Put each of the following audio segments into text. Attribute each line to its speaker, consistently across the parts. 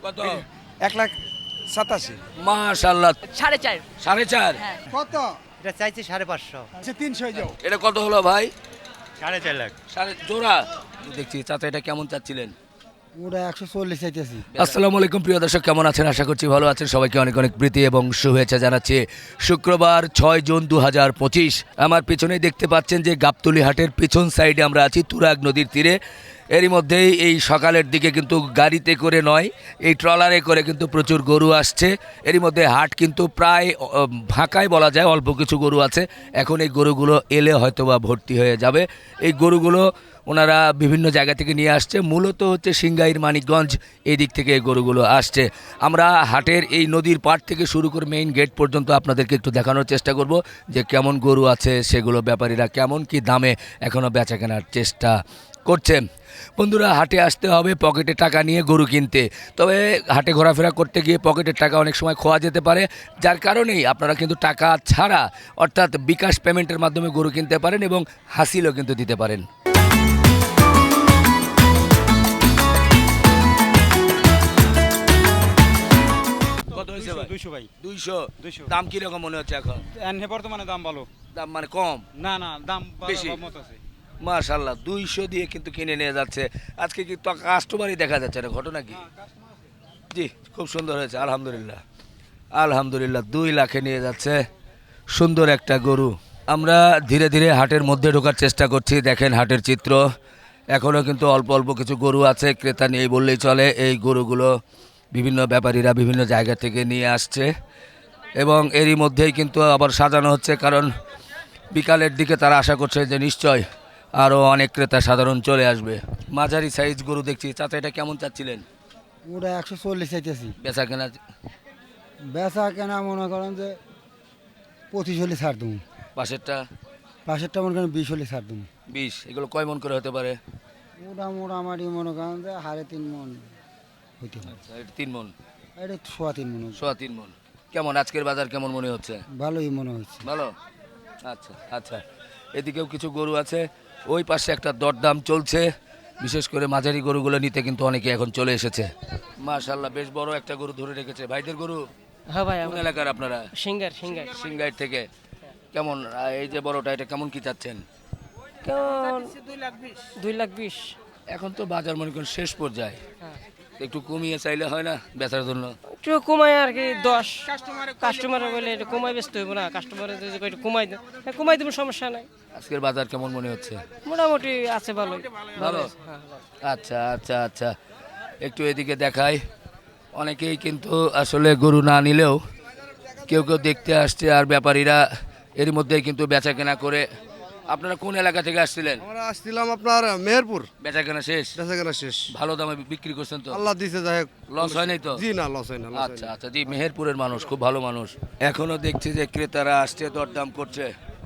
Speaker 1: কত?
Speaker 2: 1,87,000।
Speaker 1: মাশাআল্লাহ।
Speaker 3: 4.5
Speaker 1: 4.5।
Speaker 2: কত?
Speaker 4: এটা চাইছি 550।
Speaker 2: আচ্ছা 300 যাও।
Speaker 1: এটা কত হলো ভাই?
Speaker 4: 4.5 লাখ।
Speaker 1: জোড়া দেখছি। চাচা এটা কেমন চাচ্ছিলেন?
Speaker 2: ওরা 140 চাইতেছি।
Speaker 1: আসসালামু আলাইকুম প্রিয় দর্শক, কেমন আছেন? আশা করছি ভালো আছেন। সবাইকে অনেক অনেক প্রীতি এবং শুভেচ্ছা জানাচ্ছি। শুক্রবার 6 জুন 2025। আমার পিছনেই দেখতে পাচ্ছেন যে গাবতলী হাটের পিছন সাইডে আমরা আছি, তুরাগ নদীর তীরে। এরই মধ্যেই এই সকালের দিকে কিন্তু গাড়িতে করে নয়, এই ট্রলারে করে কিন্তু প্রচুর গরু আসছে। এরই মধ্যে হাট কিন্তু প্রায় ফাঁকাই বলা যায়, অল্প কিছু গরু আছে। এখন এই গরুগুলো এলে হয়তোবা ভর্তি হয়ে যাবে। এই গরুগুলো ওনারা বিভিন্ন জায়গা থেকে নিয়ে আসছে, মূলত হচ্ছে সিংগাইর, মানিকগঞ্জ এই দিক থেকে এই গরুগুলো আসছে। আমরা হাটের এই নদীর পাড় থেকে শুরু করে মেইন গেট পর্যন্ত আপনাদেরকে একটু দেখানোর চেষ্টা করব যে কেমন গরু আছে, সেগুলো ব্যাপারীরা কেমন কি দামে এখনও বেচা কেনার চেষ্টা করছে। বন্ধুরা, হাটে আসতে হবে পকেটে টাকা নিয়ে গরু কিনতে। তবে হাটে ঘোরাফেরা করতে গিয়ে পকেটের টাকা অনেক সময় খোয়া যেতে পারে, যার কারণেই আপনারা কিন্তু টাকা ছাড়া অর্থাৎ বিকাশ পেমেন্টের মাধ্যমে গরু কিনতে পারেন এবং হাসিলও কিন্তু দিতে পারেন। কত হয়েছে ভাই?
Speaker 5: 200 ভাই।
Speaker 1: 200।
Speaker 5: 200
Speaker 1: দাম কিরকম মনে হচ্ছে এখন?
Speaker 5: এনে বর্তমানে দাম ভালো।
Speaker 1: দাম মানে কম?
Speaker 5: না না, দাম
Speaker 1: বেশি।
Speaker 5: মত আছে।
Speaker 1: মাশাআল্লাহ, 200 দিয়ে কিন্তু কিনে নিয়ে যাচ্ছে। আজকে কি তো কাস্টমারই দেখা যাচ্ছে না, ঘটনা কি? জি, খুব সুন্দর হয়েছে, আলহামদুলিল্লাহ। আলহামদুলিল্লাহ, 2 লাখে নিয়ে যাচ্ছে সুন্দর একটা গরু। আমরা ধীরে ধীরে হাটের মধ্যে ঢোকার চেষ্টা করছি। দেখেন হাটের চিত্র, এখনও কিন্তু অল্প অল্প কিছু গরু আছে, ক্রেতা নেই বললেই চলে। এই গরুগুলো বিভিন্ন ব্যাপারীরা বিভিন্ন জায়গা থেকে নিয়ে আসছে এবং এরই মধ্যেই কিন্তু আবার সাজানো হচ্ছে, কারণ বিকালের দিকে তারা আশা করছে যে নিশ্চয় আরও অনেক ক্রেতা সাধারণ চলে আসবে। মাঝারি সাইজ গরু দেখছি। চাচা এটা কেমন চাচ্ছিলেন?
Speaker 2: ওরা 140 চাইতেছি।
Speaker 1: বেচা কেনা?
Speaker 2: বেচা কেনা মনে করেন যে 25 হলে ছাড় দেবো।
Speaker 1: পাশেরটা
Speaker 2: মনে করেন 20 হলে ছাড় দেবো।
Speaker 1: 20। এগুলো কয় মন করে হতে পারে?
Speaker 2: ওটা মোটামুটি মনে করেন যে 3.5 মন হইতে পারে।
Speaker 1: আচ্ছা, এটা 3 মন।
Speaker 2: এটা 3.5 মন।
Speaker 1: 3.5 মন। কেমন আজকের বাজার কেমন মনে হচ্ছে?
Speaker 2: ভালোই মনে হচ্ছে।
Speaker 1: ভালো। আচ্ছা আচ্ছা, এদিকেও কিছু গরু আছে, ওই পাশে একটা দরদাম চলছে। বিশেষ করে মাঝারি গরুগুলো নিতে কিন্তু অনেকে এখন চলে এসেছে। মাশাআল্লাহ, বেশ বড় একটা গরু ধরে রেখেছে। ভাইদের গরু?
Speaker 3: হ্যাঁ ভাই,
Speaker 1: কোন এলাকার আপনারা?
Speaker 3: সিঙ্গার
Speaker 1: সিংগাইর থেকে। কেমন এই যে বড়টা, এটা কেমন কি চাচ্ছেন?
Speaker 3: কেমন? 2 লাখ 20।
Speaker 1: এখন তো বাজার মনে করেন শেষ পর্যায়ে, একটু কমিয়ে চাইলে হয় না বেচার জন্য?
Speaker 3: একটু কমাই আর কি 10। কাস্টমার বলে এটা কমাই ব্যস্ত হইব না, কাস্টমার যদি একটু কমাই দেন কমাই দেবো, সমস্যা নাই।
Speaker 1: আজকের বাজার কেমন মনে হচ্ছে?
Speaker 3: মোটামুটি আছে, ভালোই।
Speaker 1: ভালো।
Speaker 3: হ্যাঁ।
Speaker 1: আচ্ছা আচ্ছা আচ্ছা, একটু এদিকে দেখাই। অনেকেই কিন্তু আসলে গরু না নিলেও কেউ কেউ দেখতে আসছে, আর ব্যাপারীরা এর মধ্যেই কিন্তু বেচা কেনা করে। আপনারা কোন এলাকা থেকে আসছিলেন?
Speaker 6: আমরা আসছিলাম আপনার মেহেরপুর।
Speaker 1: বেচা কেনা শেষ?
Speaker 6: বেচাকেনা শেষ।
Speaker 1: ভালো দামে বিক্রি করছেন তো?
Speaker 6: আল্লাহ দিছে, যাই হোক।
Speaker 1: লস হয় নাই তো?
Speaker 6: জি না, লস হয় না।
Speaker 1: আচ্ছা আচ্ছা, জি, মেহেরপুরের মানুষ খুব ভালো মানুষ। এখনো দেখছি যে ক্রেতারা আসছে, দরদাম করছে।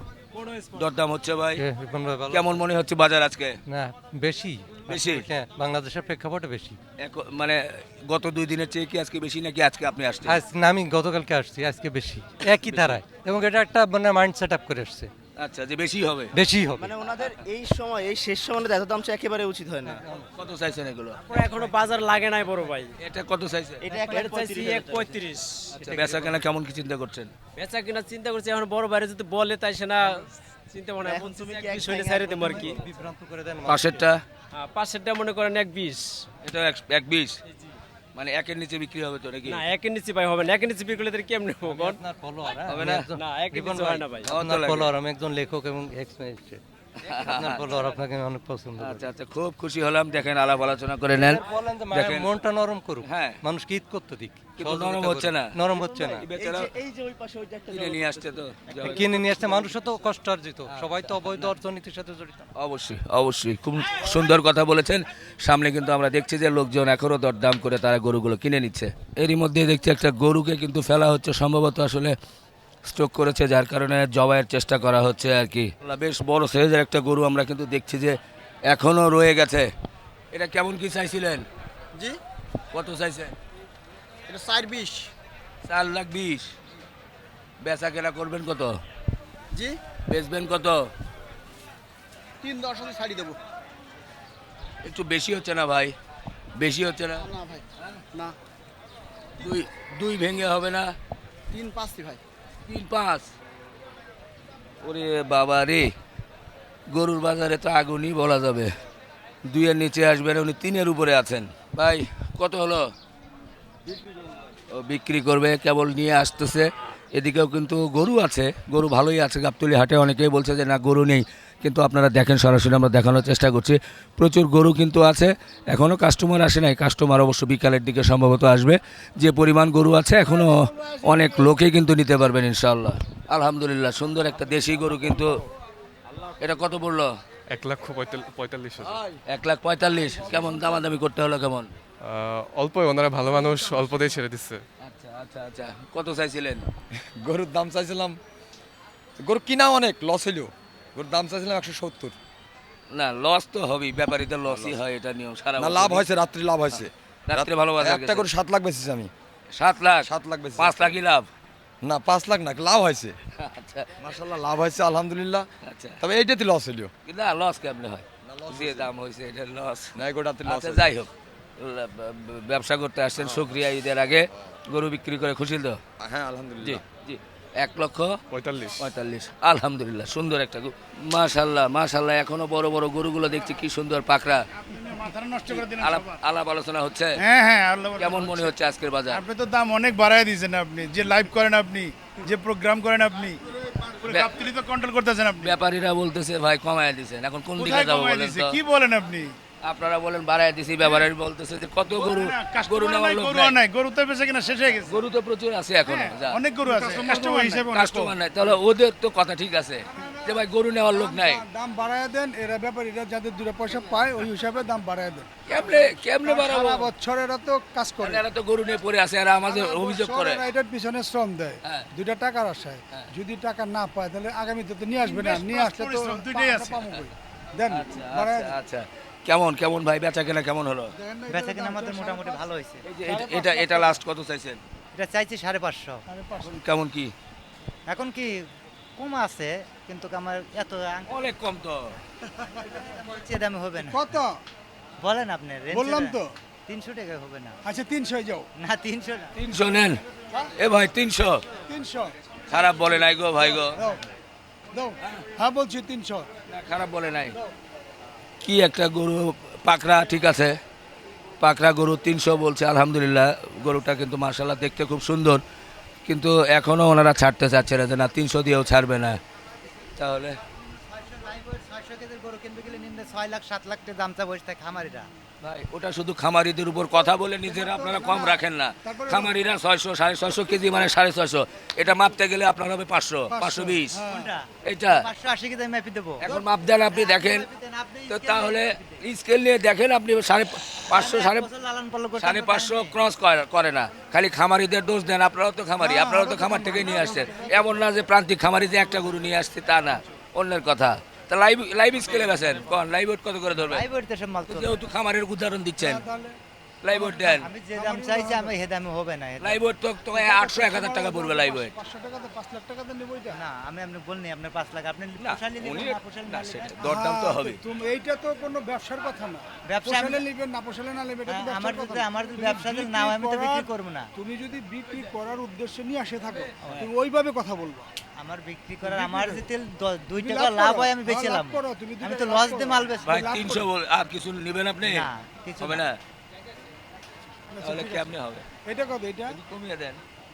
Speaker 1: দরদাম হচ্ছে ভাই। কেমন মনে হচ্ছে বাজার আজকে?
Speaker 4: না, বেশি
Speaker 1: বেশি?
Speaker 4: হ্যাঁ, বাংলাদেশের প্রেক্ষাপটে বেশি।
Speaker 1: মানে গত 2 দিনের চেয়ে কি আজকে বেশি, নাকি আজকে আপনি আসছেন?
Speaker 4: আজ না, আমি গতকালকে আসছি, আজকে বেশি, একই ধারায়। এবং এটা একটা মানে মাইন্ড সেট আপ করে আসছে,
Speaker 1: আচ্ছা, যে বেশি হবে।
Speaker 4: বেশি হবে।
Speaker 7: মানে ওনাদের এই সময়, এই শেষ সময় এত দাম চাই একেবারে উচিত হয় না।
Speaker 1: কত চাইছেন এগুলো?
Speaker 5: এখনো বাজার লাগে নাই বড় ভাই।
Speaker 1: এটা কত চাইছে?
Speaker 7: এটা
Speaker 5: চাইছি 1.35।
Speaker 1: আচ্ছা, বেচা কেনা কেমন কি চিন্তা করছেন?
Speaker 5: বেচা কিনা চিন্তা করছি, এখন বড় বাইরে যদি বলে তাই সে না চিন্তা মনে হয়
Speaker 7: এখন তুমি কি এক
Speaker 5: শৈলে ছাইরে দেবো আর কি।
Speaker 4: বিভ্রান্ত করে দেন।
Speaker 1: পাশেরটা?
Speaker 5: পাশেরটা মনে করেন 1.20।
Speaker 1: এটা 1.20, মানে একের নিচে বিক্রি হবে তো নাকি?
Speaker 5: না, একের নিচে ভাই হবে না, একের নিচে বিক্রি করলে কেমনে হবে?
Speaker 4: আপনার follower, হ্যাঁ?
Speaker 1: হবে না?
Speaker 5: না, একের
Speaker 4: রিপন
Speaker 5: নিচে হয় না ভাই।
Speaker 4: আপনার
Speaker 1: লাগে।
Speaker 4: follower, আমি একজন লেখক এবং এক্স ম্যাজিস্ট্রেট। আপনার follower, আপনাকে আমি অনেক পছন্দ করি।
Speaker 1: আচ্ছা আচ্ছা, খুব খুশি হলাম। দেখেন, আলাপ আলোচনা করে নেন।
Speaker 4: বলেন যে
Speaker 1: দেখেন।
Speaker 4: মনটা নরম করুক,
Speaker 1: হ্যাঁ।
Speaker 4: মানুষকে ঈদ করতে দিক।
Speaker 1: কিন্তু নরম হচ্ছে না।
Speaker 4: নরম হচ্ছে না।
Speaker 1: এই বেচারা
Speaker 7: এই যে ওই পাশে ওই যে একটা
Speaker 1: কিনে নিয়ে আসছে তো।
Speaker 4: কিনে নিয়ে আসছে, মানুষও তো কষ্ট অর্জিত, সবাই তো অবৈধ অর্থনীতির সাথে জড়িত।
Speaker 1: অবশ্যই অবশ্যই, খুব সুন্দর কথা বলেছেন। সামনে কিন্তু আমরা দেখছি যে লোকজন এখনও দরদাম করে তারা গরুগুলো কিনে নিচ্ছে। এরই মধ্যে দেখছি একটা গরুকে কিন্তু ফেলা হচ্ছে, সম্ভবত আসলে স্ট্রোক করেছে, যার কারণে জবাইয়ের চেষ্টা করা হচ্ছে আর কি। বেশ বড় সাইজের একটা গরু আমরা কিন্তু দেখছি যে এখনও রয়ে গেছে। এটা কেমন কি চাইছিলেন?
Speaker 7: জি,
Speaker 1: কত চাইছে?
Speaker 7: এটা 4.20।
Speaker 1: 4,20,000। বেচা কেনা করবেন কত?
Speaker 7: জি,
Speaker 1: বেচবেন কত?
Speaker 7: 3.10 হলে ছাড়ি দেবো।
Speaker 1: একটু বেশি হচ্ছে না ভাই? বেশি হচ্ছে না?
Speaker 7: না ভাই, না।
Speaker 1: দুই দুই ভেঙে হবে না?
Speaker 7: 3-5 ভাই।
Speaker 1: 3-5। ওরে বাবা রে, গরুর বাজারে তো আগুনই বলা যাবে। 2-এর নিচে আসবেন, উনি 3-এর উপরে আছেন। ভাই কত হলো? ও বিক্রি করবে, কেবল নিয়ে আসতেছে। এদিকেও কিন্তু গরু আছে, গরু ভালোই আছে গাবতলী হাটে। অনেকেই বলছে যে না গরু নেই, কিন্তু আপনারা দেখেন, সরাসরি আমরা দেখানোর চেষ্টা করছি। প্রচুর গরু কিন্তু আছে, এখনও কাস্টমার আসে নাই। কাস্টমার অবশ্য বিকালের দিকে সম্ভবত আসবে। যে পরিমাণ গরু আছে এখনও অনেক লোকেই কিন্তু নিতে পারবেন ইনশাআল্লাহ। আলহামদুলিল্লাহ, সুন্দর একটা দেশি গরু। কিন্তু এটা কত পড়লো?
Speaker 8: 1,45,000।
Speaker 1: 1,45,000। কেমন দামাদামি করতে হলো কেমন?
Speaker 8: অল্পই, ওনারা ভালো মানুষ, অল্পতেই ছেড়ে দিচ্ছে।
Speaker 1: আচ্ছা আচ্ছা আচ্ছা, কত চাইছিলেন?
Speaker 9: গরুর দাম চাইছিলাম, গরু কিনা অনেক লস হইল, গরুর দাম চাইছিলাম 170।
Speaker 1: না লস তো হবেই, ব্যাপারীদের লসই হয়, এটা নিয়ম সারা
Speaker 9: না
Speaker 1: বছর।
Speaker 9: লাভ হয়েছে, রাত্রি লাভ হয়েছে।
Speaker 1: রাত্রে ভালো বাজার
Speaker 9: একটা গরু 7 লাখ বেচেছি আমি।
Speaker 1: 7 লাখ?
Speaker 9: 7 লাখ বেচেছি।
Speaker 1: 5 লাখই লাভ?
Speaker 9: না 5 লাখ না, লাভ হয়েছে।
Speaker 1: আচ্ছা
Speaker 9: মাশাআল্লাহ লাভ হয়েছে আলহামদুলিল্লাহ।
Speaker 1: আচ্ছা,
Speaker 9: তবে এইটাতে লস হইল
Speaker 1: না লস কেমনে হয়? যে দাম হয়েছে এটা লস?
Speaker 9: না, এই গরুটাতে লস।
Speaker 1: আচ্ছা যাই হোক, ব্যবসা করতে আসছেন, শুকরিয়া। ঈদের আগে গরু বিক্রি করে খুশি তো?
Speaker 9: হ্যাঁ
Speaker 1: জি
Speaker 9: আলহামদুলিল্লাহ।
Speaker 1: জি।
Speaker 8: 45।
Speaker 1: 1,45,000 আলহামদুলিল্লাহ, সুন্দর একটা গরু। মাশাল্লাহ মাশাল্লাহ, এখনো বড় বড় গরুগুলো দেখছি, কি সুন্দর পাকড়া। আলাপ আলোচনা হচ্ছে?
Speaker 10: হ্যাঁ হ্যাঁ, আল্লাহ
Speaker 1: কেমন মনে হচ্ছে আজকের বাজার?
Speaker 10: আপনি তো দাম অনেক বাড়ায় দিয়েছেন। আপনি যে লাইভ করেন, আপনি যে প্রোগ্রাম করেন, আপনি গাবতলী তো কন্ট্রোল করতেছেন। আপনি
Speaker 1: ব্যাপারীরা বলতেছে ভাই কমায় দিছেন, এখন কোন দিকে
Speaker 10: কোথায়
Speaker 1: যাবো
Speaker 10: কমায়
Speaker 1: বলেন
Speaker 10: দিয়েছে?
Speaker 1: তো?
Speaker 10: কি বলেন আপনি?
Speaker 1: আপনারা বলেন বাড়ায় দিছি, ব্যাপারী বলতেছে যে কত গরু, গরু নেওয়ার লোক
Speaker 10: গরু
Speaker 1: নাই।
Speaker 10: নাই, গরু তো বেঁচে কিনা শেষ হয়ে গেছে।
Speaker 1: গরু তো প্রচুর আছে এখনো। যা।
Speaker 10: অনেক গরু আছে, কাস্টমার হিসেবে অনেক
Speaker 1: কাস্টমার নাই, তাহলে ওদের তো কথা ঠিক আছে যে ভাই গরু নেওয়ার লোক নাই।
Speaker 2: দাম বাড়ায় দেন, এরা ব্যাপারীরা যাদের 2 পয়সা পায় ওই হিসাবে দাম বাড়ায় দেন।
Speaker 1: কেমনে কেমনে বাড়াবো?
Speaker 2: সারা বছর এরা তো কাজ করে,
Speaker 1: এরা তো গরু নিয়ে পড়ে আছে, এরা আমাদের অভিযোগ করে।
Speaker 2: এরা এটার পিছনে শ্রম দেয়,
Speaker 1: হ্যাঁ।
Speaker 2: 2টা টাকার আশায়। যদি টাকা না পায় তাহলে আগামীতে তো নিয়ে আসবে না, নিয়ে আসলে তো
Speaker 10: পরিশ্রম দুইটাই আছে।
Speaker 2: পাবো কই? দেন
Speaker 1: আচ্ছা
Speaker 2: বাড়ায়
Speaker 1: আচ্ছা আচ্ছা, কেমন কেমন ভাই বেচা কেনা কেমন হলো?
Speaker 11: বেচা কিনা আমাদের মোটামুটি ভালো হয়েছে।
Speaker 1: এই যে এটা এটা লাস্ট কত চাইছেন?
Speaker 11: এটা চাইছি 550।
Speaker 1: কেমন কি?
Speaker 11: এখন কি কম আছে, কিন্তু আমার এত
Speaker 1: অনেক কম তো।
Speaker 11: চেয়ে দামে হবে না।
Speaker 2: কত
Speaker 11: বলেন আপনি,
Speaker 2: বললাম তো।
Speaker 11: 300 টাকা হবে না।
Speaker 2: আচ্ছা 300 যাও।
Speaker 11: না 300 না।
Speaker 1: 300 নেন। এ ভাই 300
Speaker 2: 300
Speaker 1: খারাপ বলে নাই গো ভাই গো।
Speaker 2: দাও দাও। হ্যাঁ বলছি 300।
Speaker 1: না, খারাপ বলে নাই। কি একটা গরু পাকড়া, ঠিক আছে, পাকড়া গরু 300 বলছে। আলহামদুলিল্লাহ, গরুটা কিন্তু মাশাআল্লাহ দেখতে খুব সুন্দর, কিন্তু এখনো ওনারা ছাড়তে চাচ্ছে না, যে না 300 দিয়েও ছাড়বে না। তাহলে
Speaker 11: 600 কেজির গরু কিনতে গেলে নিম্নে 6 লাখ 7 লাখ টাকা দাম চা বসে থাকে খামারিরা।
Speaker 1: ভাই ওটা শুধু খামারিদের উপর কথা বলে নিজেরা আপনারা কম রাখেন না। খামারিরা 600 650 কেজি মানে 650, এটা মাপতে গেলে আপনার হবে 500 520।
Speaker 11: কোনটা?
Speaker 1: এটা
Speaker 11: 580 কেজি আমি মাপি দেবো।
Speaker 1: এখন মাপ দেন, আপনি দেখেন তো, তাহলে স্কেল নিয়ে দেখেন আপনি 550
Speaker 11: বছর লালন পালন করতে
Speaker 1: 550 ক্রস করে না। খালি খামারিদের দোষ দেন, আপনারাও তো খামারি, আপনারাও তো খামার থেকে নিয়ে আসছেন। এমন না যে প্রান্তিক খামারি যে একটা গরু নিয়ে আসছে, তা না, অন্যের কথা। তা লাইভ স্কেলে গেছেন কোন লাইভ ওয়েট কত করে ধরবেন?
Speaker 11: লাইভ ওয়েটে সব মাল তো।
Speaker 1: যেহেতু খামারের উদাহরণ দিচ্ছেন, লাইভ ওয়েট দেন।
Speaker 11: আমি যে দাম চাইছি আমি হে দামে হবে না।
Speaker 1: লাইভ ওয়েট তো 800 1000 টাকা পড়বে লাইভ ওয়েট।
Speaker 2: 500 টাকাতে 5 লাখ টাকাতে নেবো এটা।
Speaker 11: না আমি আপনি বলনি আপনার 5 লাখ আপনি
Speaker 1: না,
Speaker 11: পোষালি
Speaker 1: উনি
Speaker 11: নেবেন না পোষালি
Speaker 1: না,
Speaker 11: না
Speaker 1: সেটা দরদাম তো হবে।
Speaker 2: তুমি এইটা তো কোনো ব্যবসার কথা না।
Speaker 11: ব্যবসা
Speaker 2: পোষালে নেবেন না পোষালে না নেবেন, এটা তো
Speaker 11: আমার
Speaker 2: ব্যবসার কথা
Speaker 11: যদি
Speaker 2: না।
Speaker 11: আমার যদি
Speaker 2: তুমি
Speaker 11: ব্যবসা যদি
Speaker 2: বিক্রি
Speaker 11: না হয় আমি তো বিক্রি
Speaker 2: করার-
Speaker 11: করব না।
Speaker 2: তুমি যদি বিক্রি করার উদ্দেশ্যে নিয়ে আসে থাকো, তুমি ওইভাবে কথা বলবা।
Speaker 11: আমার বিক্রি করার আমার যদি তেল 2
Speaker 2: তুমি
Speaker 11: টাকা
Speaker 2: লাভ
Speaker 11: লাভ
Speaker 2: করো।
Speaker 11: হয় আমি
Speaker 2: হ্যাঁ,
Speaker 11: বেচলাম।
Speaker 2: লাভ করো, তুমি
Speaker 11: আমি
Speaker 2: দুটো
Speaker 11: তো
Speaker 2: লাভ
Speaker 11: লস
Speaker 2: করো।
Speaker 11: দিয়ে মাল বেচবো।
Speaker 1: ভাই
Speaker 2: লাভ
Speaker 1: 300 আর কিছু নেবেন আপনি?
Speaker 11: না কিছু
Speaker 1: হবে
Speaker 11: না।
Speaker 1: না, তাহলে কেমনে হবে?
Speaker 2: এটা কত এটা?
Speaker 1: কমিয়ে দেন।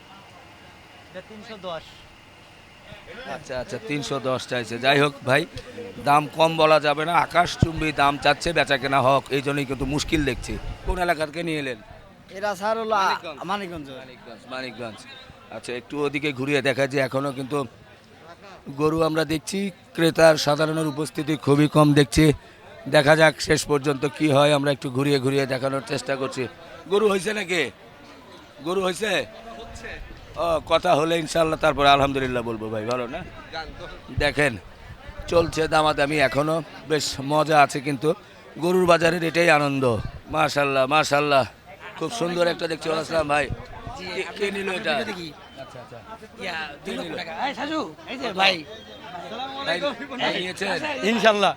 Speaker 11: এটা 310।
Speaker 1: আচ্ছা আচ্ছা, 310 চাইছে। যাই হোক ভাই, দাম কম বলা যাবে না, আকাশচুম্বী দাম চাচ্ছে, বেচা কেনা হোক, এই জন্যই কিন্তু মুশকিল দেখছি। কোন এলাকা থেকে নিয়ে এলেন?
Speaker 7: এরা স্যার হলো
Speaker 1: মানিকগঞ্জ।
Speaker 7: মানিকগঞ্জ।
Speaker 1: মানিকগঞ্জ। আচ্ছা, একটু ওদিকে ঘুরিয়ে দেখা যে এখনো কিন্তু গরু আমরা দেখছি, ক্রেতার সাধারণের উপস্থিতি খুবই কম দেখছি। দেখা যাক শেষ পর্যন্ত কি হয়, আমরা একটু ঘুরিয়ে ঘুরিয়ে দেখানোর চেষ্টা করছি। গরু হয়েছে নাকি? গরু হয়েছে? ও, কথা হলে ইনশাল্লাহ তারপরে আলহামদুলিল্লাহ বলবো ভাই। ভালো না? দেখেন চলছে দামাদামি, এখনো বেশ মজা আছে, কিন্তু গরুর বাজারের এটাই আনন্দ। মাশাল্লাহ মাশাল্লাহ, খুব সুন্দর একটা দেখছি। আসসালাম ভাই, কে নিল এটা? আচ্ছা আচ্ছা, কে নিল? ভাই, ভাই নিয়েছেন?
Speaker 5: ইনশাআল্লাহ।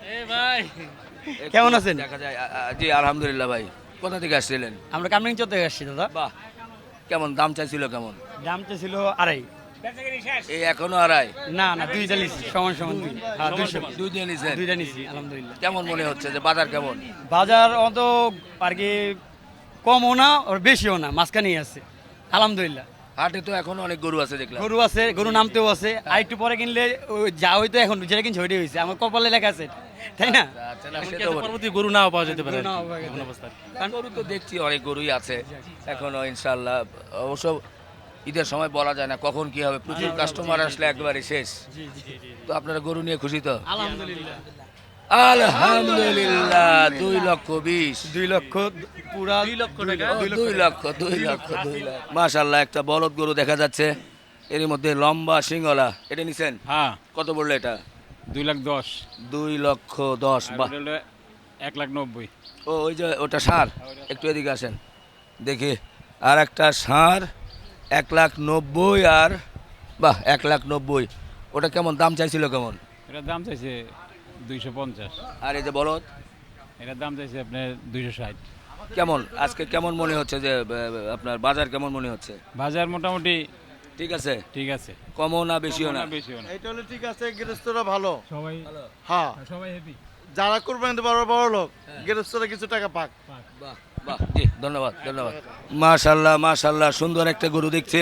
Speaker 5: কেমন আছেন?
Speaker 1: দেখা যায় জি আলহামদুলিল্লাহ। ভাই কোথা থেকে আসছিলেন?
Speaker 5: আমরা কামরিং চত্বরে আসছি দাদা।
Speaker 1: বাহ, কেমন দাম চাইছিল কেমন?
Speaker 5: দামটা ছিল আড়াই।
Speaker 1: এই এখনো আড়াই?
Speaker 5: না না, দুইটা নিছি, সমান সমান দুই। হ্যাঁ, 200
Speaker 1: দুই দিয়ে নিছেন?
Speaker 5: দুইটা নিছি আলহামদুলিল্লাহ।
Speaker 1: কেমন মনে হচ্ছে যে বাজার কেমন?
Speaker 5: বাজার অত আর কি কমও না আর বেশিও না, মাঝখানেই আছে আলহামদুলিল্লাহ।
Speaker 1: হাটে তো এখনো অনেক গরু আছে দেখলাম।
Speaker 5: গরু আছে, গরু নামতেও আছে। আর একটু পরে কিনলে ওই যা হইতো এখন যেটা কিনছে ওইটাই হয়েছে, আমার কপালে লেখা আছে, তাই না?
Speaker 1: আচ্ছা, না, সে তো বটে।
Speaker 5: পরবর্তী গরু নাও পাওয়া যেতে পারে।
Speaker 1: কারণ গরু তো দেখছি অনেক গরুই আছে এখনো ইনশাল্লাহ। অবশ্য ঈদের সময় বলা যায় না কখন কি হবে, প্রচুর কাস্টমার আসলে একবারে শেষ। তো আপনারা গরু নিয়ে খুশি তো?
Speaker 5: আলহামদুলিল্লাহ।
Speaker 1: আলহামদুলিল্লাহ। 2,20,000
Speaker 5: 2 লক্ষ পুরা 2 লক্ষ টাকা।
Speaker 1: 2 লক্ষ। মাশাআল্লাহ, একটা বলদ গরু দেখা যাচ্ছে, এর মধ্যে লম্বা সিংহলা। এটা নিছেন?
Speaker 5: হ্যাঁ,
Speaker 1: কত বললো এটা?
Speaker 5: 2,10,000।
Speaker 1: 2,10,000। বাহ,
Speaker 5: 1,90,000।
Speaker 1: ও ওই যে ওটা ষাঁড়, একটু এদিকে আসেন দেখি। আর একটা ষাঁড় 1,90,000। আর বাহ, 1,90,000। ওটা কেমন দাম চাইছিল কেমন?
Speaker 5: এটার দাম চাইছে 250।
Speaker 1: আর এই যে বলদ,
Speaker 5: এটার দাম চাইছে আপনার 260।
Speaker 1: কেমন আজকে কেমন মনে হচ্ছে যে আপনার বাজার কেমন মনে হচ্ছে?
Speaker 5: বাজার মোটামুটি
Speaker 1: ঠিক আছে?
Speaker 5: ঠিক আছে,
Speaker 1: কমও না বেশিও না?
Speaker 5: বেশিও না।
Speaker 6: এইটা হলে ঠিক আছে, গৃহস্থরা ভালো।
Speaker 5: সবাই
Speaker 6: হ্যাঁ,
Speaker 5: সবাই হ্যাপি।
Speaker 6: যারা কোরবানি দিতে পারবে বড় লোক, গৃহস্থরা কিছু টাকা পাক।
Speaker 1: বাহ বাহ, জি ধন্যবাদ ধন্যবাদ। মাশাল্লাহ মাশাল্লাহ, সুন্দর একটা গরু দেখছে।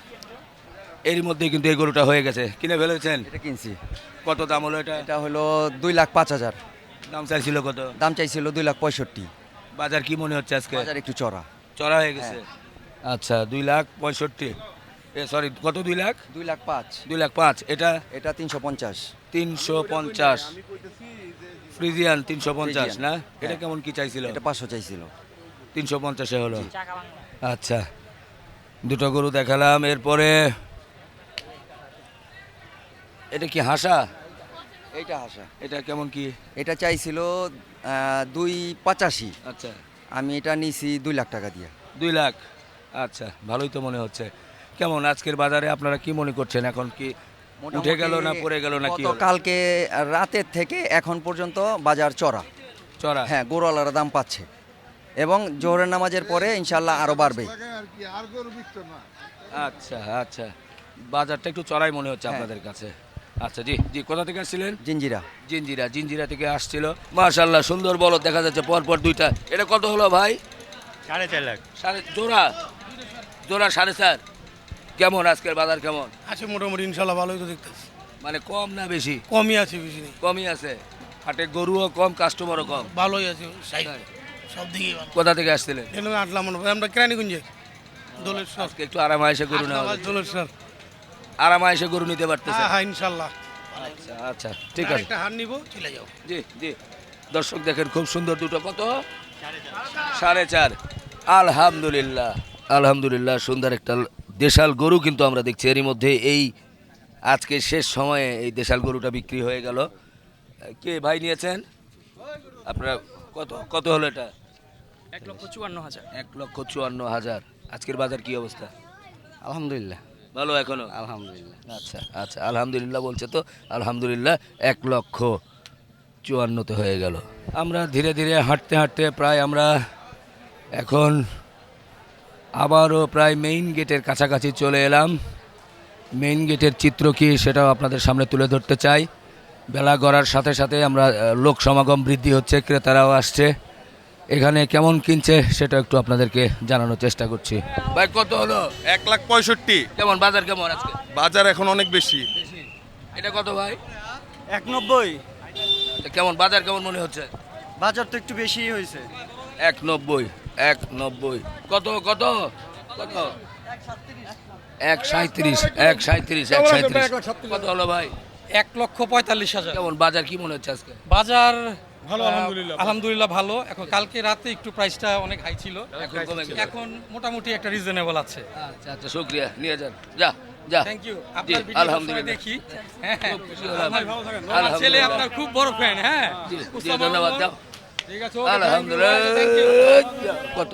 Speaker 1: এরই মধ্যে কিন্তু এই গরুটা হয়ে গেছে, কিনে ফেলেছেন?
Speaker 11: এটা কিনছি।
Speaker 1: কত দাম হলো এটা?
Speaker 11: এটা হলো 2,05,000।
Speaker 1: দাম চাইছিল কত?
Speaker 11: দাম চাইছিল 2,65,000।
Speaker 1: বাজার কি মনে হচ্ছে আজকে?
Speaker 11: বাজার একটু চড়া।
Speaker 1: চড়া হয়ে গেছে। আচ্ছা, 2,65,000। সরি, কত? 2,00,000?
Speaker 11: 2,05,000।
Speaker 1: 2,05,000। এটা
Speaker 11: এটা 350।
Speaker 1: 350। ফ্রিজিয়ান 350 না? এটা
Speaker 11: হ্যাঁ।
Speaker 1: কেমন কি চাইছিল?
Speaker 11: এটা 500 চাইছিল।
Speaker 1: 350-এ হলো। আচ্ছা, দুটো গরু দেখালাম। এরপরে এটা কি হাসা?
Speaker 11: এইটা হাসা।
Speaker 1: এটা কেমন কি?
Speaker 11: এটা চাইছিল 2,85,000।
Speaker 1: আচ্ছা,
Speaker 11: আমি এটা নিছি 2 লাখ টাকা দিয়ে।
Speaker 1: 2 লাখ। আচ্ছা, ভালোই তো মনে হচ্ছে। কেমন আজকের বাজারে আপনারা কি মনে করছেন? এখন কি উঠে গেল না পড়ে গেল না কি হলো?
Speaker 11: কালকে রাতের থেকে এখন পর্যন্ত বাজার চড়া।
Speaker 1: চড়া?
Speaker 11: হ্যাঁ, গরুওয়ালারা দাম পাচ্ছে এবং জোহরের নামাজের পরে ইনশাল্লাহ আরো বাড়বে।
Speaker 1: আচ্ছা আচ্ছা, বাজারটা একটু চড়াই মনে হচ্ছে
Speaker 11: হ্যাঁ।
Speaker 1: আপনাদের কাছে। আচ্ছা, জি জি, কোথা থেকে আসছিলেন?
Speaker 11: জিঞ্জিরা।
Speaker 1: জিঞ্জিরা থেকে আসছিল। মাশাআল্লাহ, সুন্দর বলদ দেখা যাচ্ছে পরপর দুইটা। এটা কত হলো ভাই?
Speaker 5: 4.5 লাখ।
Speaker 1: জোড়া 4.5। কেমন আজকের বাজার কেমন?
Speaker 10: আছে মোটামুটি ইনশাল্লাহ, ভালোই তো দেখতেছি।
Speaker 1: মানে কম না বেশি?
Speaker 10: কমই আছে, বেশি নেই।
Speaker 1: কমই আছে। হাটে গরুও কম, কাস্টমারও কম।
Speaker 10: ভালোই আছে, সব দিকেই ভালো।
Speaker 1: কোথা থেকে আসছিলেন?
Speaker 10: এখানে আটলাম মনে হয় আমরা কেরানীগঞ্জে দোলের সর।
Speaker 1: আজকে একটু আরামায়েশে গরু না
Speaker 10: দোলের সর।
Speaker 1: আরামায়েশে গরু নিতে পারতেছে?
Speaker 10: হ্যাঁ হ্যাঁ, ইনশাল্লাহ।
Speaker 1: আচ্ছা আচ্ছা, ঠিক আছে।
Speaker 10: একটা হার নিবো, চলে যাও।
Speaker 1: জি জি, দর্শক দেখেন খুব সুন্দর দুটো। কত? 4.5। আলহামদুলিল্লাহ আলহামদুলিল্লাহ, সুন্দর একটা দেশাল গরু কিন্তু আমরা দেখছি। এরই মধ্যে এই আজকে শেষ সময়ে এই দেশাল গরুটা বিক্রি হয়ে গেল। কে ভাই নিয়েছেন আপনারা? কত কত হলো এটা?
Speaker 5: 1,54,000।
Speaker 1: 1,54,000। আজকের বাজার কি অবস্থা?
Speaker 11: আলহামদুলিল্লাহ
Speaker 1: ভালো এখনো?
Speaker 11: আলহামদুলিল্লাহ।
Speaker 1: আচ্ছা আচ্ছা, আলহামদুলিল্লাহ বলছে তো। আলহামদুলিল্লাহ, 1,54,000 হয়ে গেল। আমরা ধীরে ধীরে হাঁটতে হাঁটতে প্রায় আমরা এখন আবারও প্রায় মেইন গেটের কাছাকাছি চলে এলাম। মেইন গেটের চিত্র কি সেটাও আপনাদের সামনে তুলে ধরতে চাই। বেলা গড়ার সাথে সাথে আমরা লোক সমাগম বৃদ্ধি হচ্ছে, ক্রেতারাও আসছে। এখানে কেমন কিনছে সেটা একটু আপনাদেরকে জানানোর চেষ্টা করছি। ভাই কত হলো?
Speaker 8: 1,65,000।
Speaker 1: কেমন বাজার কেমন আজকে?
Speaker 8: বাজার এখন অনেক বেশি।
Speaker 1: এটা কত ভাই?
Speaker 5: 1,90,000।
Speaker 1: কেমন বাজার কেমন মনে হচ্ছে?
Speaker 5: বাজার তো একটু বেশি হয়েছে।
Speaker 1: 1,90,000। কত কত কত? 1,37,000। কত হলো ভাই?
Speaker 4: 1,45,000।
Speaker 1: কেমন বাজার কি মনে হচ্ছে আজকে?
Speaker 4: বাজার
Speaker 10: ভালো, আলহামদুলিল্লাহ।
Speaker 4: আলহামদুলিল্লাহ ভালো। এখন কালকে রাতে একটু প্রাইসটা অনেক হাই ছিল,
Speaker 1: এখন কমে গেছে।
Speaker 4: এখন মোটামুটি একটা রিজনেবল আছে।
Speaker 1: আচ্ছা আচ্ছা, শুকরিয়া, নিয়ে যান। যা যা।
Speaker 4: Thank you.
Speaker 1: জি,
Speaker 4: আপনার ভিডিও
Speaker 1: আলহামদুলিল্লাহ।
Speaker 4: দেখি। হ্যাঁ,
Speaker 1: খুব খুশি হলাম।
Speaker 4: আমার ছেলে
Speaker 1: আলহামদুলিল্লাহ।
Speaker 4: আপনার খুব বড় ফ্যান। হ্যাঁ,
Speaker 1: জি, জি, ধন্যবাদ। যাও।
Speaker 4: ঠিক আছে।
Speaker 1: আলহামদুলিল্লাহ। কত?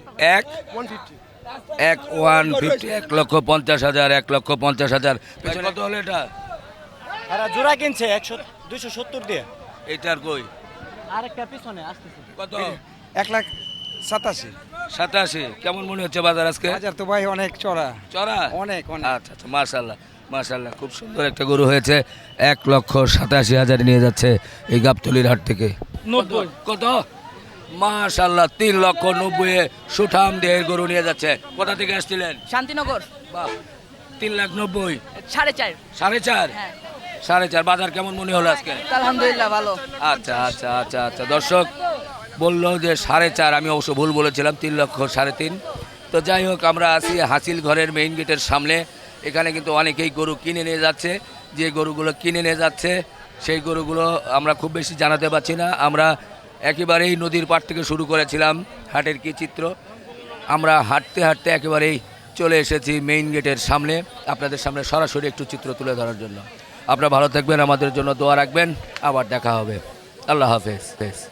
Speaker 1: 1,50,000। 1,50,000। পেছনে কত হলো এটা?
Speaker 5: এরা জোড়া কিনছে 270 দিয়ে।
Speaker 1: এটার কই?
Speaker 5: আরেকটা পিছনে আসতেছে।
Speaker 1: কত?
Speaker 10: 1,87,000।
Speaker 1: 87 কেমন মনে হচ্ছে বাজার আজকে?
Speaker 11: বাজার তো ভাই অনেক চড়া,
Speaker 1: চড়া
Speaker 11: অনেক অনেক।
Speaker 1: আচ্ছা আচ্ছা, মাশাআল্লাহ মাশাআল্লাহ, খুব সুন্দর একটা গরু হয়েছে। 1,87,000 নিয়ে যাচ্ছে এই গাবতলির হাট থেকে।
Speaker 3: 90
Speaker 1: কত? মাশাআল্লাহ, 3,90,000 সুঠাম দেহের গরু নিয়ে যাচ্ছে। কোথা থেকে আসছিলেন?
Speaker 3: শান্তিনগর
Speaker 1: বাহ, 3,90,000,
Speaker 3: 4.5
Speaker 1: 4.5, 4.5। বাজার কেমন মনে হলো আজকে?
Speaker 3: আলহামদুলিল্লাহ ভালো।
Speaker 1: আচ্ছা আচ্ছা আচ্ছা আচ্ছা, দর্শক বললো যে 4.5, আমি অবশ্য ভুল বলেছিলাম, 3,3,00,000। তো যাই হোক, আমরা আছি হাসিল ঘরের মেইন গেটের সামনে। এখানে কিন্তু অনেকেই গরু কিনে নিয়ে যাচ্ছে। যে গরুগুলো কিনে নিয়ে যাচ্ছে সেই গরুগুলো আমরা খুব বেশি জানাতে পারছি না। আমরা একেবারেই নদীর পাড় থেকে শুরু করেছিলাম হাটের কী চিত্র। আমরা হাঁটতে হাঁটতে একেবারেই চলে এসেছি মেইন গেটের সামনে, আপনাদের সামনে সরাসরি একটু চিত্র তুলে ধরার জন্য। আপনারা ভালো থাকবেন, আমাদের জন্য দোয়া রাখবেন। আবার দেখা হবে। আল্লাহ হাফেজ।